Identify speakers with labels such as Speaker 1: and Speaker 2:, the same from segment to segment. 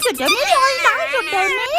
Speaker 1: ยุดเดี๋ยวนี้เลยนะหยุดเดี๋ยวนี้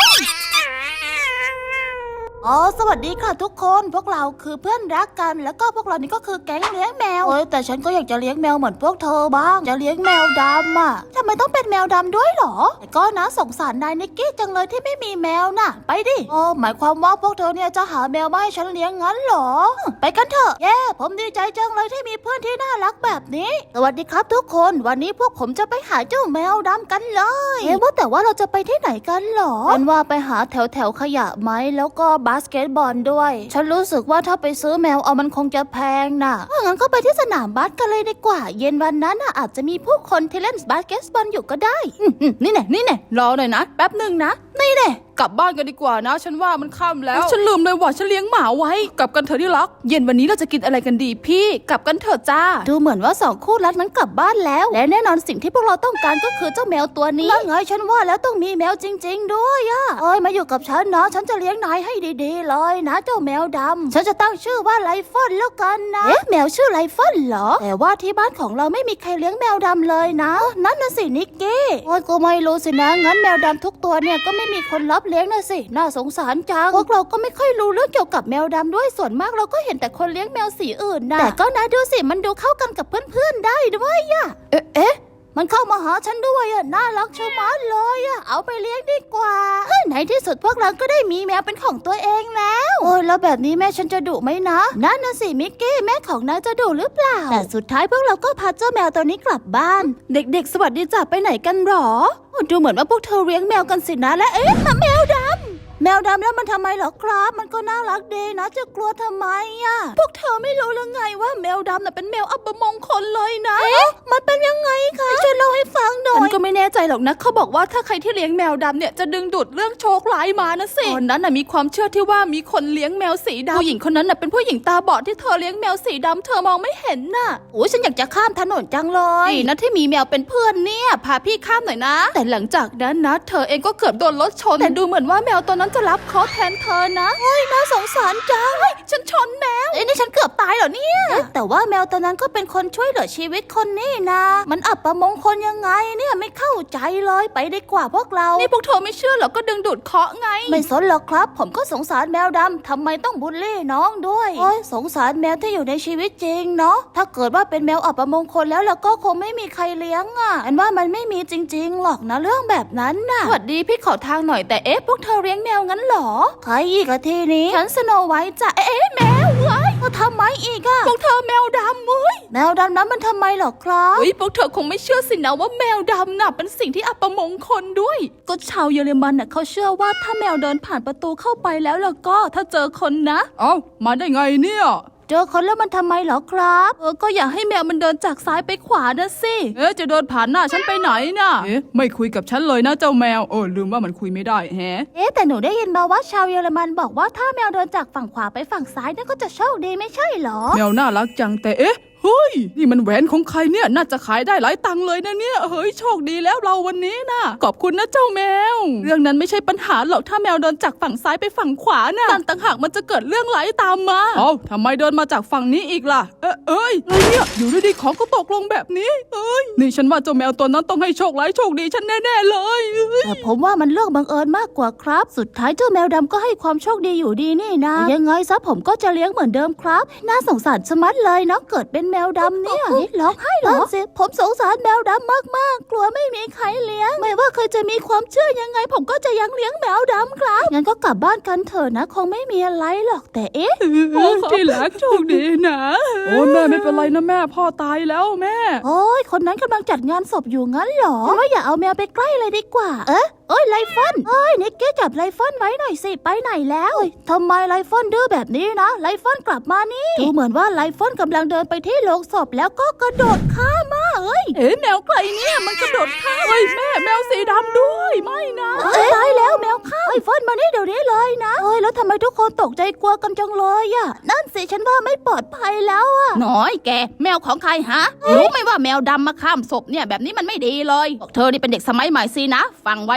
Speaker 1: สวัสดีค่ะทุกคนพวกเราคือเพื่อนรักกันแล้วก็พวกเรานี่ก็คือแก๊งเลี้ยงแมวแต่ฉันก็อยากจะเลี้ยงแมวเหมือนพวกเธอบ้างจะเลี้ยงแมวดำอ่ะทำไมต้องเป็นแมวดำด้วยหรอแต่ก็นะสงสารนายนิกกี้จังเลยที่ไม่มีแมวน่ะไปดิหมายความว่าพวกเธอเนี่ยจะหาแมวมาให้ฉันเลี้ยงงั้นหรอไปกันเถอะผมดีใจจังเลยที่มีเพื่อนที่น่ารักแบบนี้สวัสดีครับทุกคนวันนี้พวกผมจะไปหาเจ้าแมวดำกันเลยว่าแต่ว่าเราจะไปที่ไหนกันหรอฉันว่าไปหาแถวขยะไหมแล้วก็บาสเกตบอลด้วยฉันรู้สึกว่าถ้าไปซื้อแมวมันคงจะแพงน่ะงั้นก็ไปที่สนามบาสกันเลยดีกว่าเย็นวันนั้นอาจจะมีผู้คนที่เล่นบาสเกตบอลอยู่ก็ได้นี่แน่รอหน่อยนะแป๊บหนึ่งนะนี่แน่กลับบ้านกันดีกว่านะฉันว่ามันค่ำแล้วฉันลืมเลยว่าฉันเลี้ยงหมาไว้กลับกันเถอะที่รักเย็นวันนี้เราจะกินอะไรกันดีพี่กลับกันเถอะจ้าดูเหมือนว่าสองคู่รักนั้นกลับบ้านแล้วและแน่นอนสิ่งที่พวกเราต้องการก็คือเจ้าแมวตัวนี้นั่นไงฉันว่าแล้วต้องมีแมวจริงๆด้วยมาอยู่กับฉันนะฉันจะเลี้ยงนายให้ดีๆเลยนะเจ้าแมวดำฉันจะตั้งชื่อว่าไลฟอนแล้วกันนะแมวชื่อไลฟอนเหรอแต่ว่าที่บ้านของเราไม่มีใครเลี้ยงแมวดำเลยนะนั่นน่ะสินิกกี้ก็ไม่รู้สินะงั้นแมวดำทุกตัวเนี่ยก็ไม่มีคนรับเลี้ยงนะสิน่าสงสารจังพวกเราก็ไม่ค่อยรู้เรื่องเกี่ยวกับแมวดำด้วยส่วนมากเราก็เห็นแต่คนเลี้ยงแมวสีอื่นนะแต่ก็นะดูสิมันดูเข้ากันกับเพื่อนๆได้ด้วยมันเข้ามาหาฉันด้วยน่ารักชะมัดเลยเอาไปเลี้ยงดีกว่าในที่สุดพวกเราก็ได้มีแมวเป็นของตัวเองแล้วแล้วแบบนี้แม่ฉันจะดุไหมนะนั่นน่ะสิมิกกี้แม่ของนายจะดุหรือเปล่าแต่สุดท้ายพวกเราก็พาเจ้าแมวตัวนี้กลับบ้านเด็กๆสวัสดีจ้ะไปไหนกันหรอดูเหมือนว่าพวกเธอเลี้ยงแมวกันสินะและแมวดำแล้วมันทำไมเหรอครับมันก็น่ารักดีนะจะกลัวทำไมพวกเธอไม่รู้หรือไงว่าแมวดำน่ะเป็นแมวอัปมงคลเลยนะมันเป็นยังไงคะช่วยเล่าให้ฟังหน่อยฉันก็ไม่แน่ใจหรอกนะเขาบอกว่าถ้าใครที่เลี้ยงแมวดำเนี่ยจะดึงดูดเรื่องโชคร้ายมานะสิตอนนั้นน่ะมีความเชื่อที่ว่ามีคนเลี้ยงแมวสีดำผู้หญิงคนนั้นน่ะเป็นผู้หญิงตาบอดที่เธอเลี้ยงแมวสีดำเธอมองไม่เห็นน่ะฉันอยากจะข้ามถนนจังเลยนะที่มีแมวเป็นเพื่อนเนี่ยพาพี่ข้ามหน่อยนะแต่หลังจากนั้นนะเธอเองก็เกือบโดนรถชนแต่ดูเหมือนว่าแมวตัวนั้นจะรับเคราะห์แทนเธอนะน่าสงสารจังฉันชนแมวนี่ฉันเกือบตายเหรอเนี่ยแต่ว่าแมวตัวนั้นก็เป็นคนช่วยเหลือชีวิตคนนี่นะมันอับประมงคลยังไงเนี่ยไม่เข้าใจเลยไปดีกว่าพวกเรานี่พวกเธอไม่เชื่อหรอก็ดึงดูดเคราะห์ไงไม่สนหรอกครับผมก็สงสารแมวดำทำไมต้องบูลลี่น้องด้วยสงสารแมวที่อยู่ในชีวิตจริงเนาะถ้าเกิดว่าเป็นแมวอับประมงคลแล้วก็คงไม่มีใครเลี้ยงอันว่ามันไม่มีจริงๆหรอกนะเรื่องแบบนั้นน่ะสวัสดีพี่ขอทางหน่อยแต่พวกเธอเลี้ยงแมวงั้นหรอใครอีกอะทีนี้ฉันสโนไวท์จ้ะแมวเว้ยทำไมอีกพวกเธอแมวดำเว้ยแมวดำนั้นมันทำไมหรอครับพวกเธอคงไม่เชื่อสินะว่าแมวดำน่ะเป็นสิ่งที่อัปมงคลด้วยก็ชาวเยอรมันน่ะเขาเชื่อว่าถ้าแมวเดินผ่านประตูเข้าไปแล้วก็ถ้าเจอคนนะ
Speaker 2: มาได้ไงเนี่ย
Speaker 1: เจอคนแล้วมันทำไมเหรอครับก็อยากให้แมวมันเดินจากซ้ายไปขวานะสิ
Speaker 2: จะเดินผ่านหน้าฉันไปไหนน่ะไม่คุยกับฉันเลยนะเจ้าแมวลืมว่ามันคุยไม่ได้
Speaker 1: แต่หนูได้ยินมาว่าชาวเยอรมันบอกว่าถ้าแมวเดินจากฝั่งขวาไปฝั่งซ้ายนั่นก็จะโชคดีไม่ใช่เหรอ
Speaker 2: แมวน่ารักจังแต่เฮ้ยนี่มันแหวนของใครเนี่ยน่าจะขายได้หลายตังค์เลยนะเนี่ยเฮ้ยโชคดีแล้วเราวันนี้นะขอบคุณนะเจ้าแมวเรื่องนั้นไม่ใช่ปัญหาหรอกถ้าแมวเดินจากฝั่งซ้ายไปฝั่งขวาน่ะนั่นต่างหากมันจะเกิดเรื่องร้ายตามมาทำไมเดินมาจากฝั่งนี้อีกล่ะเนี่ยอยู่ดีๆของก็ตกลงแบบนี้นี่ฉันว่าเจ้าแมวตัวนั้นต้องให้โชคร้ายโชคดีฉันแน่ๆเลย
Speaker 1: แต่ผมว่ามันเรื่องบังเอิญมากกว่าครับสุดท้ายเจ้าแมวดำก็ให้ความโชคดีอยู่ดีนี่นะยังไงซะผมก็จะเลี้ยงเหมือนเดิมครับน่าสงสารชะมัดเลยน้องเกิดเป็นแมวดำเนี่ยร้องไห้เหรอผมสงสารแมวดำมากๆกลัวไม่มีใครเลี้ยงไม่ว่าเคยจะมีความเชื่อยังไงผมก็จะยังเลี้ยงแมวดำครับงั้นก็กลับบ้านกันเถอะนะคงไม่มีอะไรหรอกแต่
Speaker 2: ที่รักโชคดีนะแม่ไม่เป็นไรนะแม่พ่อตายแล้วแม่
Speaker 1: คนนั้นกำลังจัดงานศพอยู่งั้นเหรอว่าอย่าเอาแมวไปใกล้เลยดีกว่าไลฟอนนิกกี้จับไลฟอนไว้หน่อยสิไปไหนแล้วทำไมไลฟอนดื้อแบบนี้นะไลฟอนกลับมานี่ดูเหมือนว่าไลฟอนกำลังเดินไปที่โลงศพแล้วก็กระโดดข้ามมา
Speaker 2: แมวใครเนี่ยมันกระโดดข้ามแมวสีดำด้วยไม่นะ
Speaker 1: ตายแล้วแมวข้ามไลฟอนมานี่เดี๋ยวนี้เลยนะแล้วทำไมทุกคนตกใจกลัวกันจังเลยนั่นสิฉันว่าไม่ปลอดภัยแล้ว
Speaker 3: น้อยแกแมวของใครฮะรู้ไหมว่าแมวดำมาข้ามศพเนี่ยแบบนี้มันไม่ดีเลยพวกเธอนี่เป็นเด็กสมัยใหม่สินะฟังไว้นะ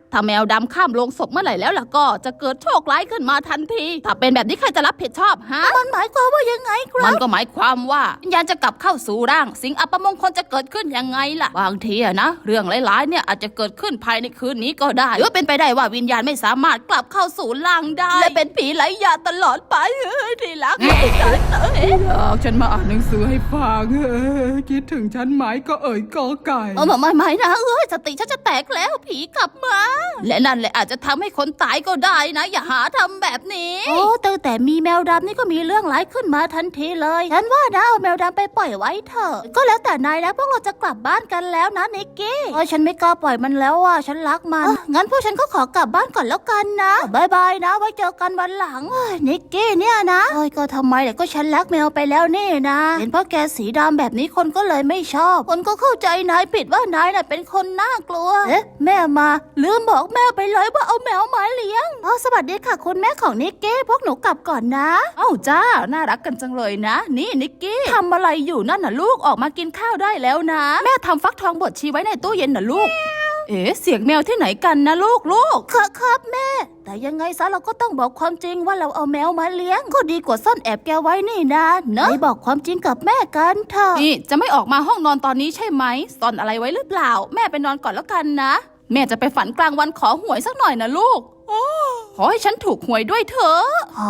Speaker 3: ถ้าแมวดำข้ามโลงศพเมื่อไหร่แล้วล่ะก็จะเกิดโชคร้ายขึ้นมาทันทีถ้าเป็นแบบนี้ใครจะรับผิดชอบฮะ
Speaker 1: มันหมายความว่ายังไงครั
Speaker 3: มั
Speaker 1: บ
Speaker 3: นก็หมายความว่าวิญญาณจะกลับเข้าสู่ร่างสิ่งอัปมงคลจะเกิดขึ้นยังไงล่ะบางทีอะนะเรื่องหลายๆเนี่ยอาจจะเกิดขึ้นภายในคืนนี้ก็ได้หรือว่าเป็นไปได้ว่าวิญญาณไม่สามารถกลับเข้าสู่ร่างได้และเป็นผีไร้ญาติตลอดไปที่รัก
Speaker 2: ฉันมาอ่านหนังสือให้ฟังคิดถึงฉันไหมก็เอ่ยกอไก่
Speaker 3: ไม่นะสติฉันจะแตกแล้วผีกลับมาและนั่นแหละอาจจะทำให้คนตายก็ได้นะอย่าหาทำแบบนี้
Speaker 1: โอ้ตั้งแต่มีแมวดำนี่ก็มีเรื่องร้ายขึ้นมาทันทีเลยฉันว่านะเอาแมวดำไปปล่อยไว้เถอะก็แล้วแต่นายนะพวกเราจะกลับบ้านกันแล้วนะนิกกี้ฉันไม่กล้าปล่อยมันแล้วอ่ะฉันรักมันงั้นพวกฉันก็ขอกลับบ้านก่อนแล้วกันนะบายบายนะไว้เจอกันวันหลังนิกกี้เนี่ยนะก็ทำไมแต่ก็ฉันรักแมวไปแล้วนี่นะเห็นเพราะแกสีดำแบบนี้คนก็เลยไม่ชอบคนก็เข้าใจนายผิดว่านายน่ะเป็นคนน่ากลัวแม่มาลืมบอกแม่ไปเลยว่าเอาแมวมาเลี้ยงสวัสดีค่ะคุณแม่ของนิกกี้พวกหนูกลับก่อนนะ
Speaker 3: เอ้าจ้าน่ารักกันจังเลยนะนี่นิกกี้ทำอะไรอยู่นั่นน่ะลูกออกมากินข้าวได้แล้วนะแม่ทำฟักทองบดชีไว้ในตู้เย็นน่ะลูกเสียงแมวที่ไหนกันนะลูก
Speaker 1: ครับแม่แต่ยังไงซะเราก็ต้องบอกความจริงว่าเราเอาแมวมาเลี้ยงก็ดีกว่าซ่อนแอบแกไว้นี่นะเนอะบอกความจริงกับแม่กันเถอะ
Speaker 3: นี่จะไม่ออกมาห้องนอนตอนนี้ใช่ไหมซ่อนอะไรไว้หรือเปล่าแม่ไปนอนก่อนแล้วกันนะแม่จะไปฝันกลางวันขอหวยสักหน่อยนะลูกขอให้ฉันถูกหวยด้วยเถอะ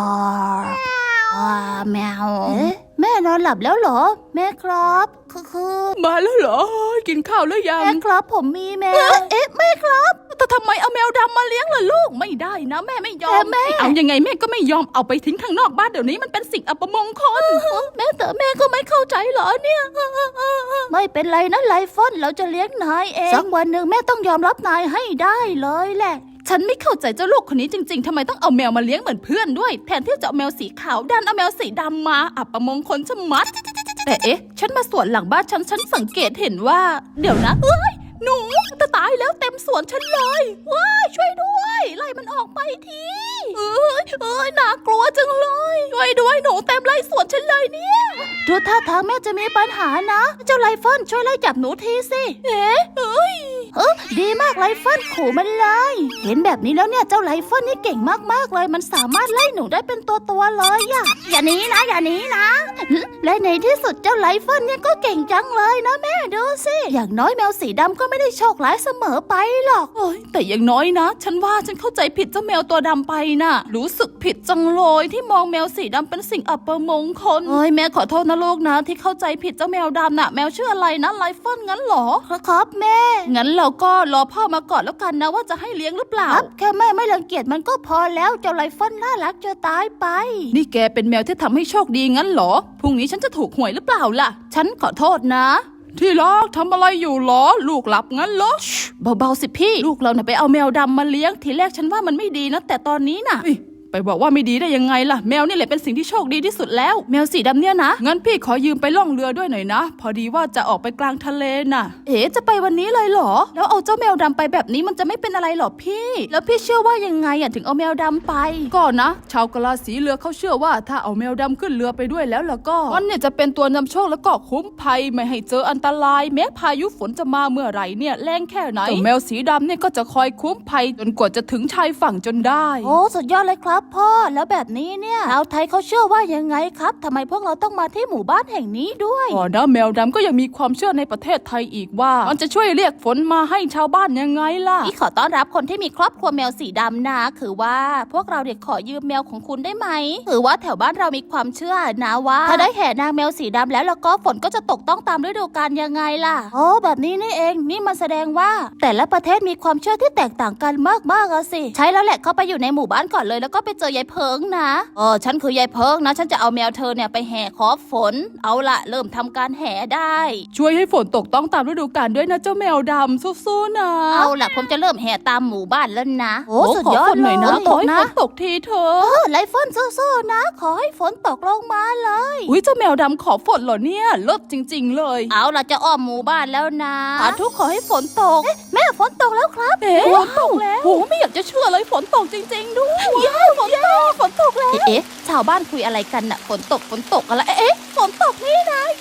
Speaker 1: แมวแม่นอนหลับแล้วเหรอแม่ครับคือ
Speaker 2: มาแล้วเหรอกินข้าวหรือยัง
Speaker 1: แม่ครับผมมีแมวแม่ครับ
Speaker 3: แต่ทำไมเอาแมวดำมาเลี้ยงล่ะลูกไม่ได้นะแม่ไม่ยอม
Speaker 1: แม่
Speaker 3: เอายังไงแม่ก็ไม่ยอมเอาไปทิ้งข้างนอกบ้านเดี๋ยวนี้มันเป็นสิ่งอัปมงคล
Speaker 1: แม่แต่แม่ก็ไม่เข้าใจเหรอเนี่ยไม่เป็นไรนะไลฟอนเราจะเลี้ยงนายเองสักวันหนึ่งแม่ต้องยอมรับนายให้ได้เลยแหละ
Speaker 3: ฉันไม่เข้าใจเจ้าลูกคนนี้จริงๆทำไมต้องเอาแมวมาเลี้ยงเหมือนเพื่อนด้วยแทนที่จะเอาแมวสีขาวดันเอาแมวสีดำมาอัปมงคลชะมัดแต่ฉันมาสวนหลังบ้านฉันสังเกตเห็นว่าเดี๋ยวนะหนูจะตายแล้วเต็มสวนฉันเลยว้ายช่วยด้วยไล่มันออกไปทีน่ากลัวจังเลยช่วยด้วยหนูเต็มไล่สวนฉันเลยเนี่ย
Speaker 1: ดูท่าทางแม่จะมีปัญหานะเจ้าไลฟอนช่วยไล่จับหนูทีสิดีมากไลฟอนขู่มันเลยเห็นแบบนี้แล้วเนี่ยเจ้าไลฟอนนี่เก่งมากๆเลยมันสามารถไล่หนูได้เป็นตัวเลยอย่าหนีนะและในที่สุดเจ้าไลฟอนเนี่ยก็เก่งจังเลยนะแม่ดูสิอย่างน้อยแมวสีดำก็ไม่ได้โชคร้ายเสมอไปหรอก
Speaker 3: แต่อย่างน้อยนะฉันว่าฉันเข้าใจผิดเจ้าแมวตัวดำไปน่ะรู้สึกผิดจังเลยที่มองแมวสีดำเป็นสิ่งอัปมงคลแม่ขอโทษนะลูกนะที่เข้าใจผิดเจ้าแมวดำน่ะแมวชื่ออะไรนะไลฟอนงั้นหรอ
Speaker 1: ครับแม่
Speaker 3: งั้นเราก็รอพ่อมาก่อนแล้วกันนะว่าจะให้เลี้ยงหรือเปล่า
Speaker 1: ครับแค่แม่ไม่รังเกียจมันก็พอแล้วเจ้าไลฟอนน่ารักจะตายไป
Speaker 3: นี่แกเป็นแมวที่ทำให้โชคดีงั้นหรอพรุ่งนี้ฉันจะถูกหวยหรือเปล่าล่ะฉันขอโทษนะ
Speaker 2: ที่รักทำอะไรอยู่หรอลูกหลับงั้นเหรอ
Speaker 3: เบาๆสิพี่ลูกเราเนี่ยไปเอาแมวดำมาเลี้ยงทีแรกฉันว่ามันไม่ดีนะแต่ตอนนี้น่ะ
Speaker 2: ไปบอกว่าไม่ดีได้ยังไงล่ะแมวนี่แหละเป็นสิ่งที่โชคดีที่สุดแล้ว
Speaker 3: แมวสีดำเนี่ยนะ
Speaker 2: งั้นพี่ขอยืมไปล่องเรือด้วยหน่อยนะพอดีว่าจะออกไปกลางทะเลน่ะ
Speaker 3: จะไปวันนี้เลยเหรอแล้วเอาเจ้าแมวดำไปแบบนี้มันจะไม่เป็นอะไรหรอพี่แล้วพี่เชื่อว่ายังไงถึงเอาแมวดำไป
Speaker 2: ก็นะชาวกะลาสีเรือเขาเชื่อว่าถ้าเอาแมวดำขึ้นเรือไปด้วยแล้วก็มันเนี่ยจะเป็นตัวนำโชคแล้วก็คุ้มภัยไม่ให้เจออันตรายแม้พายุฝนจะมาเมื่อไหร่เนี่ยแรงแค่ไหนแมวสีดำเนี่ยก็จะคอยคุ้มภัยจนกว่าจะถึงชายฝั่งจนได้
Speaker 1: โอ้สุดยอดเลยครับพ่อแล้วแบบนี้เนี่ยชาวไทยเขาเชื่อว่ายังไงครับทำไมพวกเราต้องมาที่หมู่บ้านแห่งนี้ด้วย
Speaker 2: นะแมวดำก็ยังมีความเชื่อในประเทศไทยอีกว่ามันจะช่วยเรียกฝนมาให้ชาวบ้านยังไงล่ะ
Speaker 3: นี่ขอต้อนรับคนที่มีครอบครัวแมวสีดำนะคือว่าพวกเราเด็กขอยืมแมวของคุณได้ไหมคือว่าแถวบ้านเรามีความเชื่อนะว่าถ้าได้แห่นางแมวสีดำแล้วก็ฝนก็จะตกต้องตามฤดูกาลยังไงล่ะ
Speaker 1: โอ้แบบนี้นี่เองนี่มันแสดงว่าแต่ละประเทศมีความเชื่อที่แตกต่างกันมากๆสิ
Speaker 3: ใช่แล้วแหละเข้าไปอยู่ในหมู่บ้านก่อนเลยแล้วก็ไปเจอยายเพิงนะฉันคือยายเพิงนะฉันจะเอาแมวเธอเนี่ยไปแห่ขอฝนเอาละเริ่มทำการแห่ได้
Speaker 2: ช่วยให้ฝนตกต้องตามฤดูกาลด้วยนะเจ้าแมวดำสู้ๆนะ
Speaker 3: เอาละผมจะเริ่มแห่ตามหมู่บ้านแล้วนะ
Speaker 1: โอ้สุดยอด
Speaker 2: เลยนะขอให้ฝนตกทีเถอะ
Speaker 1: ไลฟอนสู้ๆนะขอให้ฝนตกลงมาเลย
Speaker 2: อุ้ยเจ้าแมวดำขอฝนเหรอเนี่ยเลิศจริงๆเลย
Speaker 3: เอาละจะอ้อมหมู่บ้านแล้วนะ
Speaker 1: ทุกขอให้ฝนตกแม่ฝนตกแล้วครับ
Speaker 3: ฝนตกแล้วโหไม่อยากจะเชื่อเลยฝนตกจริงๆด้วย
Speaker 1: ฝนตกแล้ว
Speaker 3: ชาวบ้านคุยอะไรกันน่ะฝนตกอะไรฝนตกนี่นะเย้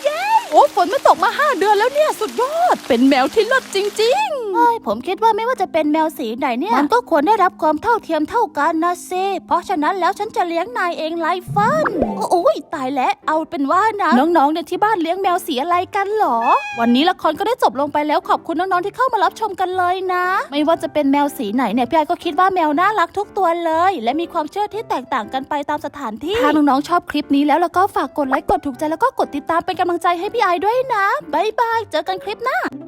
Speaker 3: โอ้ฝนไม่ตกมา5 เดือนแล้วเนี่ยสุดยอดเป็นแมวที่เลิศจริง
Speaker 1: เฮ้ยผมคิดว่าไม่ว่าจะเป็นแมวสีไหนเนี่ยมันก็ควรได้รับความเท่าเทียมเท่ากันนะสิเพราะฉะนั้นแล้วฉันจะเลี้ยงนายเองไลฟัน
Speaker 3: ๆโอ้ยตายแล้วเอาเป็นว่านะน้องๆเนี่ยที่บ้านเลี้ยงแมวสีอะไรกันหรอ วันนี้ละครก็ได้จบลงไปแล้วขอบคุณน้องๆที่เข้ามารับชมกันเลยนะ
Speaker 1: ไม่ว่าจะเป็นแมวสีไหนเนี่ยพี่ไอก็คิดว่าแมวน่ารักทุกตัวเลย และมีความเชื่อที่แตกต่างกันไปตามสถานที่ถ้าน้องๆชอบคลิปนี้แล้วก็ฝากกดไลค์กดถูกใจแล้วก็กดติดตามเป็นกำลังใจให้พี่ไอด้วยนะบ๊ายบายเจอกันคลิปหน้า